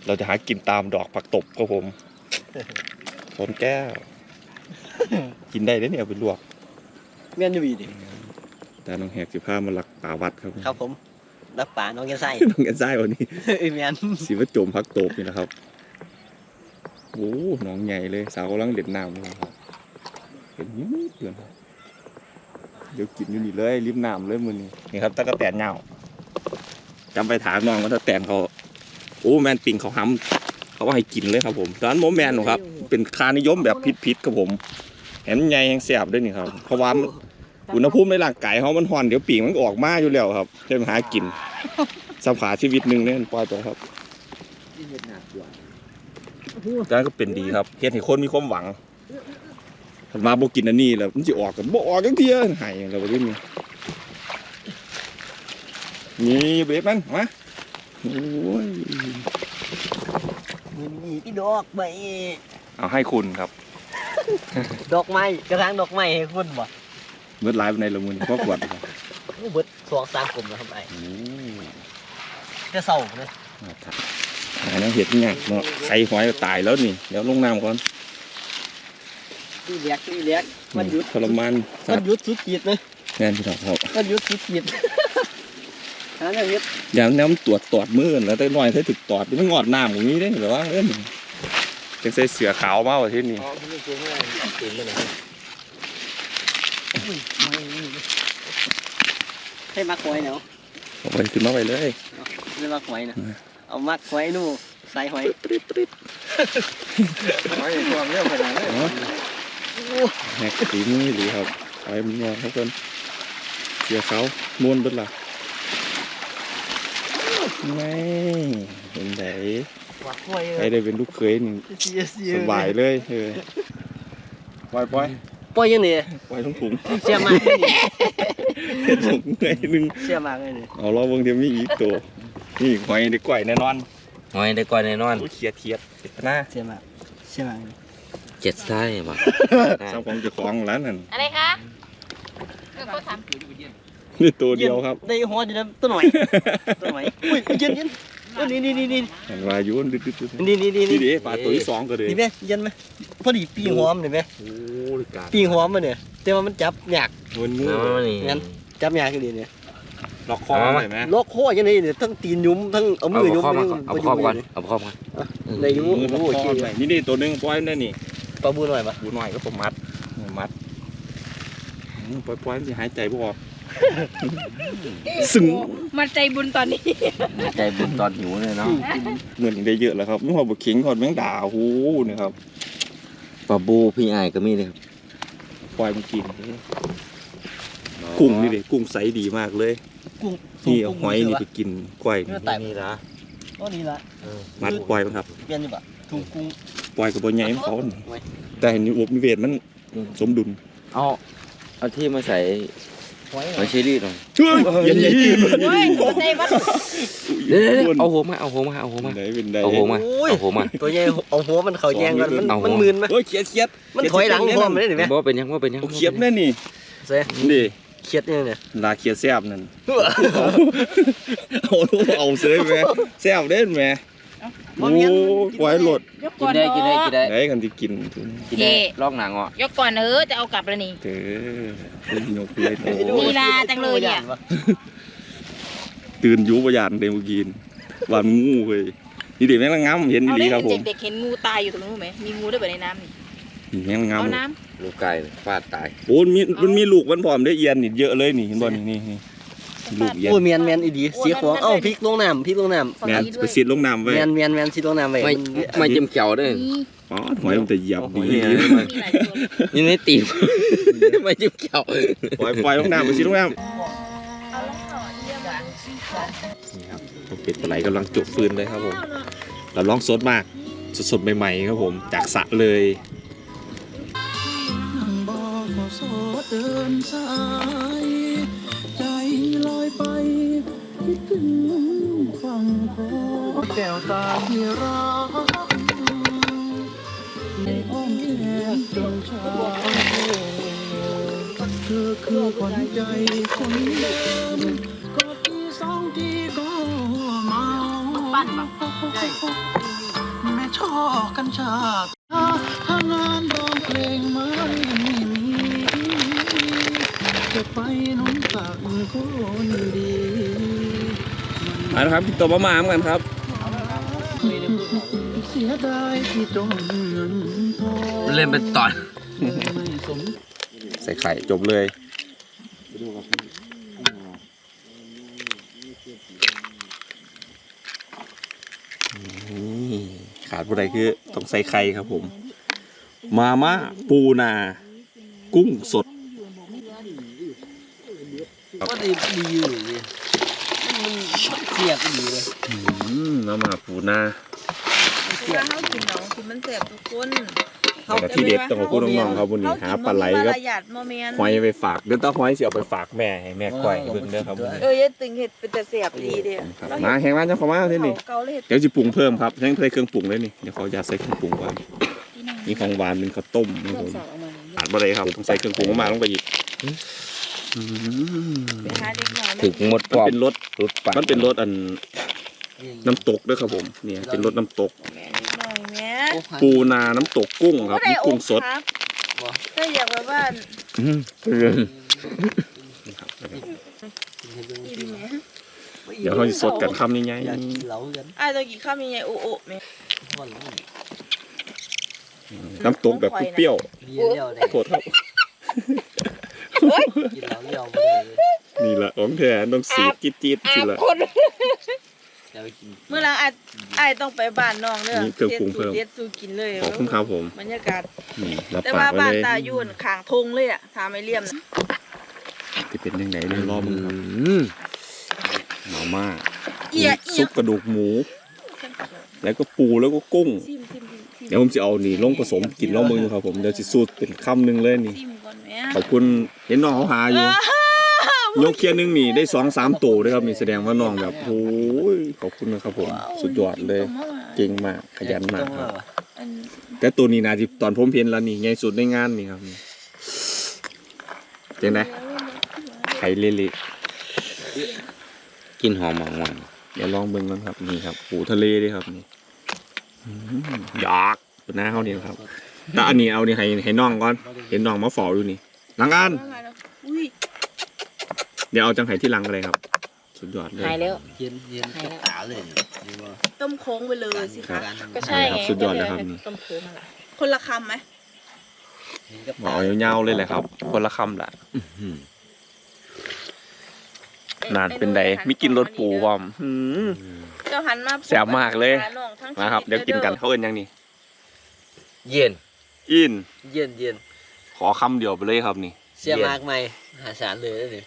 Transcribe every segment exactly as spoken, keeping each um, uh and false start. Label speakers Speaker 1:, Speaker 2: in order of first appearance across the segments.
Speaker 1: เราจะหากินตามดอกผักตบครับผมชนแก้วกินได้เลยเนี่ยเอาไปลวก
Speaker 2: เมียนอยู่ดีดิ
Speaker 1: แต่น้องแหกสิบห้ามาหลักป่าวัดครับ
Speaker 2: ครับผมรักป่าน้องแกไส้
Speaker 1: น้องแกไส้วันนี้
Speaker 2: เมียน
Speaker 1: สีว่าโจมผักตบนี่นะครับโอ้น้องใหญ่เลยสาวกำลังเด็ดน้ำเลยครับเห็นยิ้มเดือนเดี๋ยวกินอยู่นี่เลยริมน้ำเลยมือนี้นี่ครับตะกะแตนเงาจำไปถามน้องว่าตะกะแตนเขาโอ้แมนปิงเขาห้ำเขาว่าให้กินเลยครับผมตอนนั้นโมแมนหนูครับเป็นคานิยมแบบพิษๆครับผมแหมใหญ่แหงแสบด้วยนี่ครับเพราะว่าอุณหภูมิในร่างกายเขามันห่อนเดี๋ยวปีกมันออกมาอยู่แล้วครับจะมาหากินสัมผัสชีวิตหนึ่งเนี่ยปล่อยไปครับการก็เป็นดีครับเฮ็ดให้คนมีความหวังมาโบกินอันนี้แล้วมันจะออกกันโบออกกันเที่ยหายเราไปด้วยนี่นี่เบ็ดมันมาโอ้ย
Speaker 2: มันมีที่ดอกไม้
Speaker 1: เอาให้คุณครับ
Speaker 2: ดอกไม้กระถางดอกไม้ให้คุณบ่
Speaker 1: เบิดไลฟ์ในละมุนครอบครัวครับ
Speaker 2: เบิดสองสามกลุ่มแล้วครับไอ้จะเศร้าเลย
Speaker 1: หาน้ำเห็ดง่ายเนาะใส่หอยตายแล้วนี่เดี๋ยวลงน้ำก่อน
Speaker 2: นี่เลี้ยกนี่เลี้ยกมันหยุด
Speaker 1: ทรมาน
Speaker 2: มันหยุดสุดขีดเลย
Speaker 1: งานที่เราครับ
Speaker 2: มันหยุดสุดขีดหาเนี่ยเฮ็ด
Speaker 1: อย่างน้ำตรวจตอดมือแล้วแต่น้อยใช้ถึกตอดมันงอดน้ำอย่างนี้ได้หรือว่าเอ้ยจะใส่เสือขาวมากกว่าที่นี่
Speaker 2: ให้มักหอยเนาะ
Speaker 1: เอาไปขึ้นมาไปเลย
Speaker 2: ให้มักหอยนะเอามักหอยนู่นใส่หอย
Speaker 1: ปิ๊ดปิ๊ด
Speaker 2: หอยความเร็วขนาดนี้
Speaker 1: แหกตีมือหรือครับไปมันงอเขาคนเสือขาวม้วนด้วยล่ะไม่เป็นไงใครได้เป็นลูกเขยนี่สบายเลยเออปล่อยปล่อย
Speaker 2: ปล่อยยังไง
Speaker 1: ปล่อยทั้งถุง
Speaker 2: เสียมาก
Speaker 1: ถุงไงนึง
Speaker 2: เสียมากเลย
Speaker 1: เอาล้อบางทีมีอีกตัวนี่หอยได้ก่อยแน่นอน
Speaker 3: หอยได้ก่อยแน่นอน
Speaker 1: เขียดเทียดเจ็ดหน้า
Speaker 2: เสียมากเสียมาก
Speaker 3: เจ็ดไส้บ่
Speaker 1: เจ้าของเจ้าของร้านนั่น
Speaker 4: อะไรคะเออเขาทำ
Speaker 1: นี่ตัวเดียวครับ
Speaker 2: ได้หัวอยู่แล้วตัวหน่อยตัวหน่อยอุ้ยเย็นเย็นนี่นี่นี่นี่
Speaker 1: เห็นว่ายุ่นดึ๊ดดึ๊ด
Speaker 2: นี่นี่นี่
Speaker 1: นี่ดิปลาตัวที่สองก็เลย
Speaker 2: นี่ไหมเย็นไหมพอดีปีหอมเห็นไหมปีหอมมาเนี่ยแต่ว่ามันจับยาก
Speaker 1: มันงู
Speaker 2: งั้นจับยากกันดีเนี่ย
Speaker 1: ล็อกคอใช่ไหม
Speaker 2: ล็อกคอยังไงเนี่ยทั้งตีนยุ้มทั้งเอามือยุ้ม
Speaker 3: เอาคอก่อนเอาคอก่อน
Speaker 2: ในยุ้ม
Speaker 1: โอ้ยนี่นี่ตัวนึงปล่อยนั่นนี่
Speaker 2: ปลาบูหน่อยปะ
Speaker 1: บูหน่อยก็ผมมัดมัดปล่อยปล่อยมันจะหายใจบ่ออกสึง
Speaker 4: มันใจบุญตอนนี้
Speaker 3: ใจบุญตอนหิวเลยเนาะ
Speaker 1: เงินได้เยอะแล้วครับไม่พอบุกขิงก่อนแมงดาหูนะครับ
Speaker 3: ปลาบูพี่ไอ้ก็มีเลยครับ
Speaker 1: ปล่อยมันกินกุ้งนี่เลยกุ้งใสดีมากเลย
Speaker 2: กุ้ง
Speaker 1: นี่เอาหอยนี่ไปกินก้อย
Speaker 2: นี่ละก็นี่ละ
Speaker 1: มัดปล่อยมันครับ
Speaker 2: เปลี่ยนอยู่ปะถุงกุ้ง
Speaker 1: ปล่อยกับบนใหญ่เขาแต่เห็นอุบนิเวศมันสมดุล
Speaker 3: เอาเอาที่มาใส่หอยเชอรี่หน่อย
Speaker 1: เย็นๆ
Speaker 4: เฮ้ยใจวัด
Speaker 3: เดี๋ยวเอาหัวมาเอาหัวมาเอาหัวมาเอาหัวมาเอาหัวมา
Speaker 2: ตัวใหญ่เอาหัวมันเขาแยงกันมันมันมึนไหม
Speaker 1: เฮ้ยเขียดเขียด
Speaker 2: มันถอยหลังพร้อมเลยเห็นไหม
Speaker 3: บอกเป็นยังว่าเป็นยัง
Speaker 1: เขียดแน่นี่
Speaker 2: เซ่
Speaker 1: นี่
Speaker 2: เขียดเนี่ยเนี่ย
Speaker 1: ลาเขียดแซ่บนั่นเอาเอาเสยไหมแซ่บเด่นไหมโอ้ไว้หลด
Speaker 3: กินได้กินได้กินได้
Speaker 1: ได้กันที่กิน
Speaker 3: กินได้ลอกหนังอ่ะ
Speaker 4: ยกก่อนเออจะเอากลับแล้วนี่
Speaker 1: เออตื่นยกเลย
Speaker 4: ลีลาจังเลยเนี่ย
Speaker 1: ตื่นยุบยานเดมูกินวันงูเลยนี่เด็กแม่งงามเห็นดีครับผม
Speaker 4: เด็กเห็นงูตายอยู่ตรงนู้นไหมมีงูด้วยแบบในน้ำนี่
Speaker 1: นี่แม่งงาม
Speaker 4: เอาน้
Speaker 3: ำลูกไก่ฟาดตาย
Speaker 1: โอ้มีมันมีลูกมันพร้อมได้เอียนนี่เยอะเลยนี่เห็นบ่นี่นี่ลูกเอียน
Speaker 2: โอ้เมียนเมียนอีดีสีขวางเอ้าพริกลงน้ำพริกลงน้ำ
Speaker 1: เมียนไปซีดลงน้ำไว้
Speaker 2: เมียนเมียนเมียนซีดลงน้ำไว้
Speaker 3: ไม่ไม่จิ้มเขียวด้วย
Speaker 1: อ๋อหอยมันจะเหยียบดี
Speaker 3: นี่ไม่ตีไม่จิ้มเขียว
Speaker 1: ปล่อยปล่อยลงน้ำไปซีดลงน้ำนี่ครับผมเป็ดปลาไหลกำลังจุดฟืนเลยครับผมเราลองสดมากสดๆใหม่ๆครับผมจากสระเลยใจลอยไปคิดถึงฝั่งของแก้วตาที่รักในอ้อมแขนจนชาเธอคือคนใจคนเดิมก็ที่สองที่ก็เมา
Speaker 4: ปั้นปะใช่
Speaker 5: แม่ช่อกัญชาถ้างานร้องเพลงไม่มีจะไปน้องตักคนดี
Speaker 1: มาแล้วครับพี่ตัวมะมามกันครับ
Speaker 5: เสียดายที่จนเงินทอง
Speaker 3: เล่นเป็นตอน
Speaker 5: ไม่สม
Speaker 1: ใส่ไข่จบเลยนี่ขาดผู้ใดคือต้องใส่ไข่ครับผม มาม่าปูนา กุ้งสด
Speaker 2: ก็ดีดีอยู่ดิมันเสียบดีเลย
Speaker 1: อืมมาม่าปูนา
Speaker 4: เวลาเขากินเนาะกินมันแสบทุกคน
Speaker 1: แต่ที่เด็ดต้องขอบคุณน้องๆครับวันนี้หาปลาไหลครับ
Speaker 4: หยาดโมเมนต์
Speaker 1: หอยไปฝากเดี๋ยวต้องหอยเสียไปฝากแม่ให้แม่ก้อยให้เบิ่งเด้อครับ
Speaker 4: เออยัดตึงเห็ดเป็นแต่แสบดีเดียว
Speaker 1: ครับมาแข่งร้านเจ้าของมาที่นี่
Speaker 4: เกาเลยเห็ด
Speaker 1: เดี๋ยวจะปรุงเพิ่มครับยังใส่เครื่องปรุงเลยนี่เดี๋ยวเขาจะใส่เครื่องปรุงก่อนมีของหวานเป็นข้าวต้มนี่ผมอาดบะเลยครับต้องใส่เครื่องปรุงมาลงไปอีกอืม
Speaker 4: ไปหาเด็กหน่อย
Speaker 3: ถึงหมด
Speaker 1: มัน
Speaker 3: ปอบ
Speaker 1: เป็นรส
Speaker 3: รถปาก
Speaker 1: มันเป็นรสอันน้ำตกด้วยครับผมเนี่ยเป็นรสน้ำตก
Speaker 4: แม่นิดหน่อยแม่
Speaker 1: ปูนาน้ำตกกุ้งครับมีกุ้งสด
Speaker 4: ถ้าอยากแบบว่า
Speaker 1: อืม
Speaker 4: อิ่มเนี่ย
Speaker 1: เดี๋ยวเขาจะสดกันคำยังไง
Speaker 2: อยากกินเหล้ากัน
Speaker 4: ไอ้ตัวกี่ข้าวมีไงโอ้โอ้แม่
Speaker 2: วันนี้
Speaker 1: น้ำตกแบบเปรี้ยว
Speaker 2: เลี้ยเลี้ยวได้
Speaker 1: ๆโคตรครับ
Speaker 2: กินเหล้าเลี้ยวไปเลย
Speaker 1: นี่แหละของแท้ต้องสีจี๊ดจี๊ดสิละ
Speaker 2: จะไปกิน
Speaker 4: เมื่อไรไอ้ไอ้ต้องไปบ้านน้องเด้อ
Speaker 1: มีเครื่องปรุงเพิ่ม
Speaker 4: เด็ดสูกินเลย
Speaker 1: ขอบคุณครับผม
Speaker 4: บรรยากาศ
Speaker 1: นี่รับ
Speaker 4: แต่
Speaker 1: ปา
Speaker 4: ว่าก
Speaker 1: ไว้
Speaker 4: บ้าน
Speaker 1: เลย
Speaker 4: ตายุ่นขางทงเลยอ่ะทาไม่เลี่ยมนะ
Speaker 1: จะเป็นยังไงเลยรอมึงครับ
Speaker 3: อืม
Speaker 1: มาม่า
Speaker 4: เอียเอีย
Speaker 1: ซุปกระดูกหมู แล้วก็ปูแล้วก็กุ้ง
Speaker 4: ซิมซิมซิม
Speaker 1: เดี๋ยวผมจะเอานี่ลงผสมกินลองมือครับผมเดี๋ยวจะสูตรเป็นคำหนึ่งเลยนี่
Speaker 4: ซิมก่อนแม่
Speaker 1: ขอบคุณเห็นน้องเขาหาอยู่ยกเคียนหนึงนี่ได้สองสามตัวด้วยครับนี่แสดงว่าน้องแบบโอ้ยขอบคุณนะครับผมสุดยอดเลยเก่งมากขยันมากครับ
Speaker 4: อัน
Speaker 1: แต่ตัวนี้นะที่ตอนผมเห็นแล้วนี่ใหญ่สุดในงานนี่ครับนี่เจ๋งไหมไข่เละ
Speaker 3: กินหอมหวาน
Speaker 1: ๆเดี๋ยวลองเบิ่งกันครับนี่ครับปูทะเลด้วยครับนี่อืมอยากเป็นหน้าเขานี่ครับแต่อันนี้เอานี่ให้ให้น้องก่อนเห็นน้องมาฝ่ออยู่นี่หลังกัน
Speaker 4: อุ้ย
Speaker 1: เดี๋ยวเอาจังไห้ที่หลังอะไรครับ สุดยอดเลย
Speaker 4: หายแล้ว
Speaker 2: เย็นเย็นกับตาเลยนี่ว่า
Speaker 4: ต้มโค้งไปเลยสิ
Speaker 1: ครั
Speaker 4: คะ
Speaker 1: บ
Speaker 4: ก็ใช่
Speaker 1: ครับ
Speaker 4: ไง
Speaker 1: สุดยอดเลยครับนี่
Speaker 4: ต้มโค้งอะไรคนละคำไหม
Speaker 2: เห็นกับ
Speaker 1: หมอเงาๆเลยแหละครับ คนละคำแหละ
Speaker 3: ๆอืม
Speaker 1: นานเป็นใดมีกินรสปูวอมหืม
Speaker 4: เจ้าหันมา
Speaker 1: แซ่บมากเลย
Speaker 4: หน้องทั้ง
Speaker 1: มาครับ
Speaker 4: ชี
Speaker 1: เดี๋ยว
Speaker 4: วิต
Speaker 1: กินกันเขาเอินยังนี่
Speaker 3: เย็น
Speaker 1: อิน
Speaker 2: เย็นเย็น
Speaker 1: ขอคำเดียวไปเลยครับนี่
Speaker 2: เสียมากไหมหาสารเลยนี่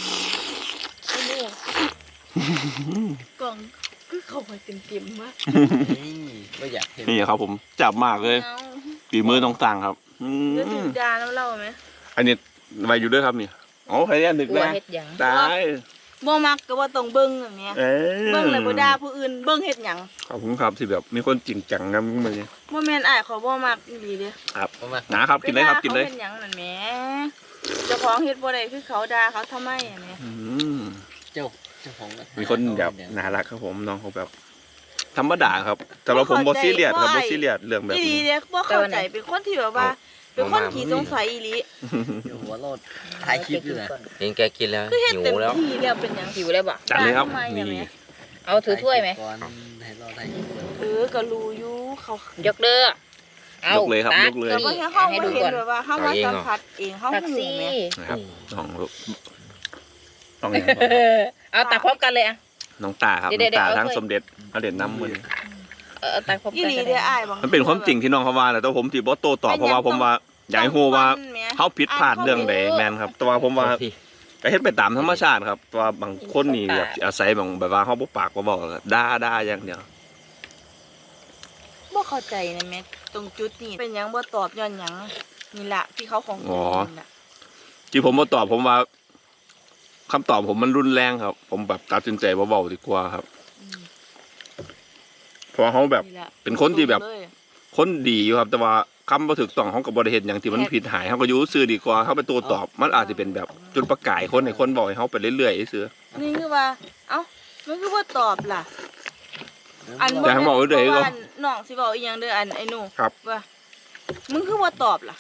Speaker 4: กล่องคือเข้าไปเต็มๆมาก
Speaker 2: ไม่อยากเห็น
Speaker 1: นี่ครับผมจับมากเลย
Speaker 4: เอา
Speaker 1: ฝีมือต้องสั่งครับอื
Speaker 4: เดี๋ยวถึ
Speaker 1: ม
Speaker 4: งยาแล้วเล่าไหม
Speaker 1: อันนี้ไว้อยู่ด้วยครับนี่อ๋อใครเนี่ยนึก
Speaker 4: กลัว
Speaker 1: นะ
Speaker 4: เฮ็ดหยัง
Speaker 1: ตาย
Speaker 4: บ่มักก็ว่าต้องเบิ่งอย่างเงี้ย
Speaker 1: เอ้ย
Speaker 4: เบิ่งเลยบ่ด่าผู้อื่นเบิ่งเฮ็ดหยัง
Speaker 1: ขอบคุณครับที่แบบมีคนจริงจังนะมึงมาเนี่ย
Speaker 4: บ่แม่นอ้ายเขาบ่มักอีหลีเด้
Speaker 1: ครับ
Speaker 2: เอามา
Speaker 1: นะครับกินเลยครับกินเลย
Speaker 4: วาขาเฮ็ดหยังนั่นแหมเจ้าของเฮ็ดบ่ได้คือเขาด่าเขาทำไมอันเนี้ย
Speaker 1: อืม
Speaker 2: เจ้าเจ้าของ
Speaker 1: มีคนแบบน่ารักครับผมน้องเขาแบบธรรมดาครับแต่เราผมบอซีเรียสครับบอซีเรียสเรื่องแบบ
Speaker 4: อีหลี
Speaker 1: นี้
Speaker 4: เด้บ่เข้าใจเป็นคนที่แบบว่า เป็นคนขี้สงสัยอีหลี
Speaker 2: เดี๋ยวหัวโลดถ่ายคลิปอยู่นะ
Speaker 3: เห็นแกกินแล้ว
Speaker 4: คือเฮ็ด
Speaker 3: หิ
Speaker 4: เต็ม
Speaker 3: วแล้ว
Speaker 4: ที่แล้วเป็นหยังหิวแล้วบ่
Speaker 1: จัดเลยครับ
Speaker 4: ทำไมอะ
Speaker 1: นี่
Speaker 4: แม่
Speaker 6: เอาถือถ้วยไหม
Speaker 2: ก่อนให้เราถ่ายคลิปก่อน
Speaker 4: เออก็รู้อยู่เขา
Speaker 6: ยกเด้อเอา
Speaker 1: ยกเลยครับ
Speaker 6: ตั
Speaker 1: ยกเลย
Speaker 4: แต่ว่าเฮาเฮา
Speaker 6: ให้
Speaker 4: บ่
Speaker 6: ดู
Speaker 4: เห็น
Speaker 6: ก่อน
Speaker 4: แบบว่าเฮามาสัมผัสเองเฮา
Speaker 6: ตัก
Speaker 4: หู
Speaker 6: ซี่
Speaker 4: แม่
Speaker 1: นะครับน้องลูกน้อง
Speaker 6: เอาตักพร้อมกันเลยอ่ะ
Speaker 1: น้องตาครับ
Speaker 6: เดี๋
Speaker 1: น้
Speaker 6: ยว
Speaker 1: องตา
Speaker 6: เดี๋ยว
Speaker 1: ทั้ง
Speaker 6: เอาถ้วย
Speaker 1: สมเด็จพระเด่นน้ำมือ
Speaker 6: เออเอาตักพร้อม
Speaker 4: อี
Speaker 6: กัน
Speaker 4: หลี
Speaker 6: ก็
Speaker 4: เด้
Speaker 6: ได้
Speaker 4: อ้ายบาง
Speaker 1: มันเป็นความจริงที่น้องเขาว่าแหละแต่ผมที่บอโต้ตอบเพราะว่าผมว่าอยากให้ฮู้ว่าเขาผิดพลาดเรื่องใดแมนครับ แต่ว่าผมว่าก็เฮ็ดไปตามธรรมชาติครับแต่ว่าบางคนนี่แบบอาศัยบางแบบว่าเขาบ่ปากบ่บอกด่าด่าอย่างเดียว
Speaker 4: บ่เข้าใจนะแม่ตรงจุดนี้เป็นหยังบ่ตอบย้อนหยังนี่ล่ะที่เขาของจริงนี่ล่ะ
Speaker 1: ที่ผมบ่ตอบผมว่าคำตอบผมมันรุนแรงครับ ผมแบบตัดสินใจเบาๆดีกว่าครับ
Speaker 4: อืม
Speaker 1: เพราะว่าเขาแบบ
Speaker 4: นี่ล่ะ
Speaker 1: เป็นคนที่แบบ
Speaker 4: เลย
Speaker 1: คนดีอยู่ครับ แต่ว่าคำบ่ถูกต้องเขาก็บ่ได้เฮ็ดหยังที่มันผิดหายเขาก็อยู่ซื่อดีกว่าเขาไปตัวตอบ มันอาจจะเป็นแบบจุดประกายคนให้คนบอกให้เขาไปเรื่อยๆซื่อ
Speaker 4: นี่คือว่า เอ้ามันคือว่าตอบล่ะ อัน
Speaker 1: อย่าให้บอกเรื่อยๆก็
Speaker 4: พราะว่าน้องสิบอกอีกอย่างเด้ออันไอ้หนู
Speaker 1: ครับ
Speaker 4: ว่ามึงคือว่าตอบล่ะ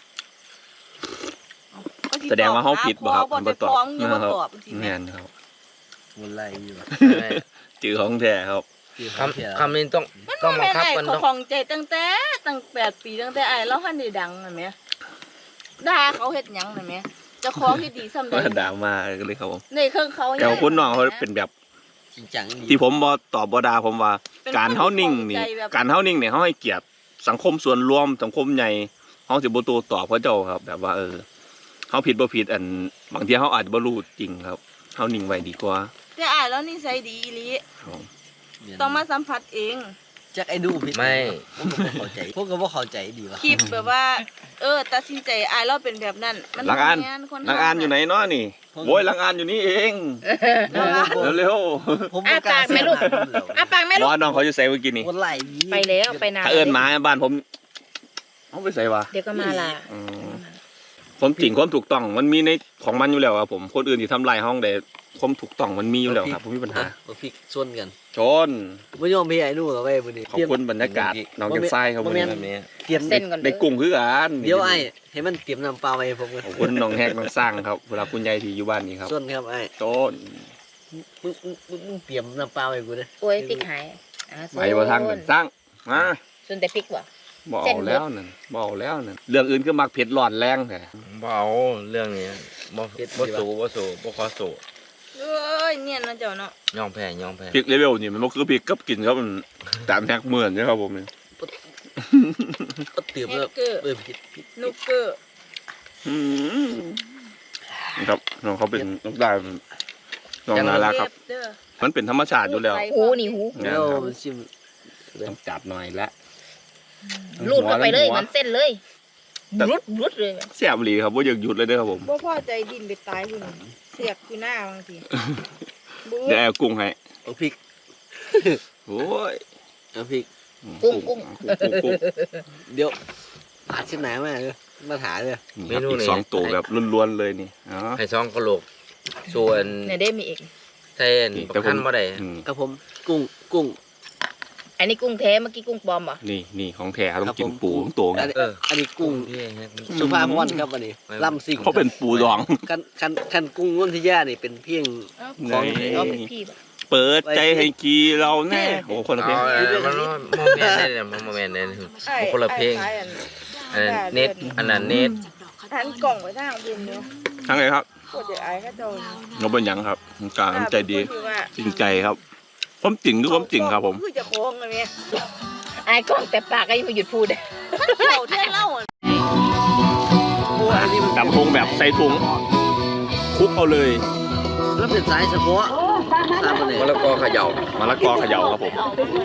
Speaker 4: เอสิ
Speaker 1: แสดงว่าเฮาผิดบ่ครับ
Speaker 4: บ่
Speaker 1: บ่
Speaker 4: ได้
Speaker 1: ตอบ
Speaker 4: ฟ้องยังบ่ตอบสิ
Speaker 1: แม่นครับ
Speaker 2: มันไล่อยู่
Speaker 1: จือของแท้ครับ
Speaker 3: คำคำนี้ต้อง
Speaker 4: มัน
Speaker 3: ต้อง
Speaker 4: บ่
Speaker 3: บัง
Speaker 4: แม่น
Speaker 3: คับ
Speaker 4: ไอ้
Speaker 3: กัน
Speaker 4: เขา
Speaker 3: ต้อง
Speaker 4: ของใจตั้งแต่ตั้งแปดปีตั้งแต่ไอ้เราหันได้ดังนั่นแหมด่าเขาเฮ็ดหยังนั่นแหมเจ้าของเฮ็ดดีซ้ำใด
Speaker 1: ว่าด่ามาก็เลยครับผม
Speaker 4: ในเครื่องเขา
Speaker 1: แต่ว่าคนน้องเขาเป็นแบบ
Speaker 2: จริงจังดี
Speaker 1: ที่ผมบ่ตอบบ่ด่าผมว่า
Speaker 4: เป็น
Speaker 1: การเฮานิ่งนี่
Speaker 4: คนใจแบบ
Speaker 1: การเฮานิ่งเนี่ยเฮาให้เกียรติสังคมส่วนรวมสังคมใหญ่เฮาสิบ่โต้ตอบเขาเจ้าครับ แบบว่าเออเฮาผิดบ่ผิดอันบางทีเฮาอาจจะบ่รู้จริงครับเฮานิ่งไว้ดีกว่า
Speaker 4: แต่อ้ายแล้วนิสัยดีอีหลี
Speaker 1: ครับ
Speaker 4: ต้องมาสัมผัสเอง
Speaker 2: จักไอ้ดูผิด
Speaker 3: ไม่
Speaker 2: ผมก็บ่เข้าใจพวกก็บ่เข้าใจดีว่ะ
Speaker 4: คลิปแบบว่า เออตัดสินใจอ้ายเราเป็นแบบนั้นมั
Speaker 1: หลังอ่าน
Speaker 4: บ่แม่คน
Speaker 1: หลังอ่านอยู่ไหนเนาะนี่โว้ยหลังอ่านอยู่นี่เอง เร็ว
Speaker 2: ผมบ่กล้า
Speaker 6: อ่ะปากไหมลูก อ่ะปากแม่
Speaker 1: ๆ
Speaker 6: ลู
Speaker 1: ว่าก น้องเขาอยู่ไสเมื่อกี้นี่
Speaker 2: มันไล่ดี
Speaker 6: ไปแล้วไปนาน
Speaker 1: ถ้าเอิ้นหมาบ้านผมเอาไปใส่วะ
Speaker 6: เดี๋ยวก็มาละ
Speaker 1: อืมความจริงความถูกต้องมันมีในของมันอยู่แล้วครับผมคนอื่นที่ทำลายห้องแต่ความถูกต้องมันมีอยู่แล้วครับผมมีปัญหา
Speaker 2: บ่ฟิกส่วนกัน
Speaker 1: ชน
Speaker 2: บ่ยอมพี่ไอ้ดูหรอกเว้ยมื้อนี้
Speaker 1: ขอบคุณบรรยากาศน้องแก้มทรายครับ
Speaker 2: บ่
Speaker 1: วัน
Speaker 2: แม่
Speaker 1: นี้
Speaker 2: น
Speaker 3: แบบนี้
Speaker 2: เตรียม
Speaker 6: เส้นก่อน
Speaker 1: ได้กุ้งคือกัน
Speaker 2: เดี๋ยวไอ้ให้มันเตรียมน้ำเปล่าไว้ให้ผมกัน
Speaker 1: ขอบคุณน้องแฮกน้องสร้างครับเวลาคุณยายที่อยู่บ้านนี้ครับ
Speaker 2: ส่วนครับไอ้
Speaker 1: ชน
Speaker 2: มึงมึงมึงมึงเตรียมน้ำเปล่าไว้กูเด้อ
Speaker 6: โอ้ยพริกหายอ่ะ
Speaker 1: ไปว่าทางกันสร้างมา
Speaker 6: ส่วนแต่พริกว่ะ
Speaker 1: บอ
Speaker 6: เส้
Speaker 1: ก
Speaker 6: นเบิด
Speaker 1: แล้วนั่นบอกแล้วนั่นเรื่องอื่นคือมักเผ็ดร้อนแรงแต่
Speaker 3: บ่เอาเรื่องนี้บ่บ่สู้บ่สู้บ่ขอสู้
Speaker 4: เอ้ยเนี่ยนะเจ้าเนาะ
Speaker 3: ยอมแพ้ยอมแพ้
Speaker 1: พริกเลเวลนี่มันบ่คือพริกกับกินครับมันตามแท็กเหมือนนะครับผมนี่
Speaker 2: ก็เตรียม
Speaker 4: เฮ
Speaker 2: แล้ว
Speaker 4: กเกอร์
Speaker 2: เออผิดผิด
Speaker 4: นุกเกอร์
Speaker 1: อืมครับน้องเขาเป็นน้องได้น้องน่ารักครับ
Speaker 4: เด้อ
Speaker 1: มันเป็นธรรมชาติอยู่แล้ว
Speaker 6: หูนี่หู
Speaker 1: นะ
Speaker 2: แล้ว
Speaker 1: ครับ
Speaker 2: มันชิม
Speaker 1: ต้องจัดหน่อยละ
Speaker 6: รูดเข้าไปเลย
Speaker 1: หัว
Speaker 6: เหมันเส้นเลยรุดรุดเลย
Speaker 1: เสียบหลีครับว่าอยากหยุดเลยเด้อครับผม
Speaker 4: บ่พอใจดินไปตายพุ่นเสียกอยู่หน้าบางทีบู
Speaker 1: เดี๋ยวเอากุ้งให้
Speaker 2: เอาพริก
Speaker 1: โอ้ย
Speaker 2: เอาพริก
Speaker 6: กุ้งกุ้ง
Speaker 1: กุ้งกุ้ง
Speaker 2: เดี๋ยวปาดชิ้นไหนมาเลยมาถาเลย
Speaker 1: นี่ครับอีกสองตัวแบบล้วนๆเลยนี่อ๋อ
Speaker 3: ให้ซองกะโหลกส่วน
Speaker 6: เนี่ยได้มีอีก
Speaker 3: ใส่อันประคันบ่ได้
Speaker 1: อืม
Speaker 2: ครับผมกุ้งกุ้ง
Speaker 6: อันนี้กุ้งแท้เมื่อกี้กุ้งปลอมเหรอ
Speaker 1: นี่นี่ของแท้ต้อง
Speaker 2: ครับ
Speaker 1: กิน
Speaker 2: ผม
Speaker 1: ปูทั้งตัวไง
Speaker 2: อันนี้
Speaker 3: เออ
Speaker 2: อันนี้กุ้ง
Speaker 3: ที่ให้
Speaker 2: สุภาพวรรณครับอันนี้ลำสิ่ง
Speaker 1: เขาเป็นปูดอง
Speaker 2: คันคันคันกุ้งนุ่นที่ย่านี่เป็นเพียง
Speaker 1: ไหน
Speaker 2: ของ
Speaker 6: เอาเป็นพี่ป่ะ
Speaker 1: เปิดใจให้กีเราแน่โอ้คนละเพลง
Speaker 3: เอาอันนั้นมันบ่แม่นได้เนี่ยมันบ่แม่นได้เนี่ย
Speaker 4: ไอ้
Speaker 3: คนละเพลง
Speaker 4: ไอ้อัน
Speaker 3: อันนั้นเน็ตอันนั้นเน็ต
Speaker 4: หันกล่องไว้ทางบุญเนาะ
Speaker 1: ทั้งไงครับ
Speaker 4: ปวดเดี๋ยวไอ้ก็โดน
Speaker 1: เราเป็นหยังครับการน้ำใจดี
Speaker 4: เป็นคนที่ว่า
Speaker 1: จริงใจครับความจริงคือความจริงครับผม
Speaker 4: คือจะโค้งอะไรเนี่ย
Speaker 6: ไอ้กล้องแต่ปากก็ยังไม่หยุดพูดเลย
Speaker 4: มันเกี่ยวเท่เล่าอะ
Speaker 2: อันนี้มัน
Speaker 1: ดำทงแบบใส่ถุงคลุกเอาเลย
Speaker 2: แล้วเป็นสายเฉพาะตามมาเลย
Speaker 3: มะละกอเขย่าม
Speaker 1: ะละกอเขย่าครับผม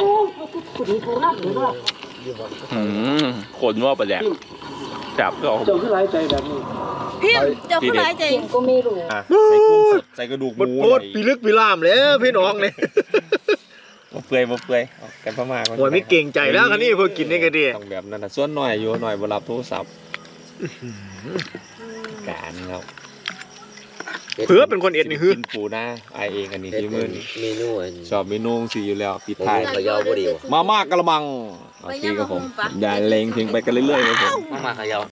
Speaker 1: อืมขนว่าประแดกจับก็เอา
Speaker 2: เจ้าคือไรใจแบบนี้
Speaker 4: พิมพ์เจ้าผู้ร้ายใจ
Speaker 6: ก็ไม่รู้
Speaker 1: ใส่กุ้งสดใส่กระดูกหมู
Speaker 2: โคตรปีลึกปีล่ามเลยพี่น้องเนี่ย
Speaker 1: มาเปื่อยมาเปื่อยเอากันประมาณ
Speaker 2: โอ้ยไม่เก่งใจแล้วคันนี้เพื่อกินนี่ก็ดี
Speaker 1: ต้องแบบนั้นนะส่วนหน่อยอยู่หน่อยบรับโทรศัพท์การครับ
Speaker 2: เพื่อเป็นคนเอ็ดนี่คือ
Speaker 1: กินปูนะไอเองอันนี้ที่มือนี่
Speaker 3: เมนูอัน
Speaker 1: ชอบเมนูสีอยู่แล้วปิดท้าย
Speaker 3: เขย่าบ่ดีวะ
Speaker 1: มามากกระมังโอเคครับผมอย่าเล็งทิ้งไปกันเรื่อยๆครับผม
Speaker 3: มามาเขย่า